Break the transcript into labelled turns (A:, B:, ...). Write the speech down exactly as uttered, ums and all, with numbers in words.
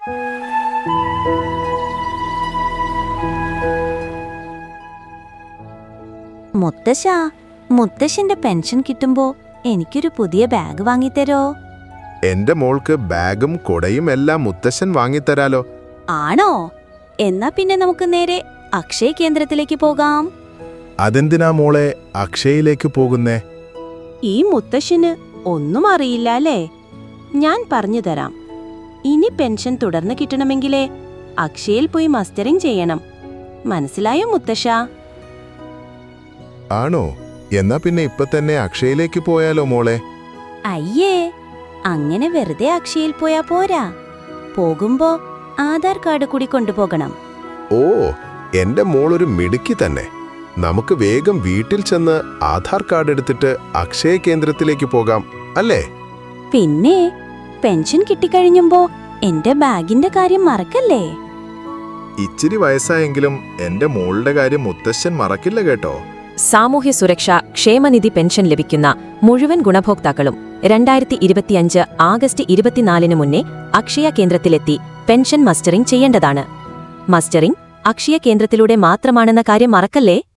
A: മുത്തശ്ശ, മുത്തശ്ശന്റെ പെൻഷൻ കിട്ടുമ്പോ എനിക്കൊരു പുതിയ ബാഗ് വാങ്ങിത്തരോ?
B: എന്റെ മോൾക്ക് ബാഗും കൊടയും എല്ലാം മുത്തശ്ശൻ വാങ്ങിത്തരാലോ.
A: ആണോ? എന്നാ പിന്നെ നമുക്ക് നേരെ അക്ഷയ കേന്ദ്രത്തിലേക്ക് പോകാം.
B: അതെന്തിനാ മോളെ അക്ഷയയിലേക്ക് പോകുന്നേ?
A: ഈ മുത്തശ്ശന് ഒന്നും അറിയില്ല അല്ലേ? ഞാൻ പറഞ്ഞു തരാം. ഇനി പെൻഷൻ തുടർന്ന് കിട്ടണമെങ്കിലേ അക്ഷയയിൽ പോയി മസ്റ്ററിംഗ് ചെയ്യണം. മനസ്സിലായോ മുത്തശ്ശ?
B: ആണോ? എന്നാ പിന്നെ ഇപ്പൊ തന്നെ അക്ഷയയിലേക്ക് പോയാലോ മോളെ?
A: അയ്യേ, അങ്ങനെ വെറുതെ അക്ഷയയിൽ പോയാ പോരാ. പോകുമ്പോ ആധാർ കാർഡ് കൂടി കൊണ്ടുപോകണം.
B: ഓ, എന്റെ മോളൊരു മിടുക്കി തന്നെ. നമുക്ക് വേഗം വീട്ടിൽ ചെന്ന് ആധാർ കാർഡ് എടുത്തിട്ട് അക്ഷയ കേന്ദ്രത്തിലേക്ക് പോകാം അല്ലേ?
A: പിന്നെ പെൻഷൻ കിട്ടിക്കഴിഞ്ഞുമ്പോ എന്റെ ബാഗിന്റെ കാര്യം മറക്കല്ലേ?
B: ഇച്ചിരി വയസ്സായെങ്കിലും എന്റെ മോളുടെ കാര്യം മുത്തശ്ശൻ മറക്കില്ല കേട്ടോ.
C: സാമൂഹ്യ സുരക്ഷ ക്ഷേമനിധി പെൻഷൻ ലഭിക്കുന്ന മുഴുവൻ ഗുണഭോക്താക്കളും രണ്ടായിരത്തി ഇരുപത്തിയഞ്ച് ആഗസ്റ്റ് ഇരുപത്തിനാലിന് മുന്നേ അക്ഷയ കേന്ദ്രത്തിലെത്തി പെൻഷൻ മസ്റ്ററിംഗ് ചെയ്യേണ്ടതാണ്. മസ്റ്ററിംഗ് അക്ഷയ കേന്ദ്രത്തിലൂടെ മാത്രമാണെന്ന കാര്യം മറക്കല്ലേ?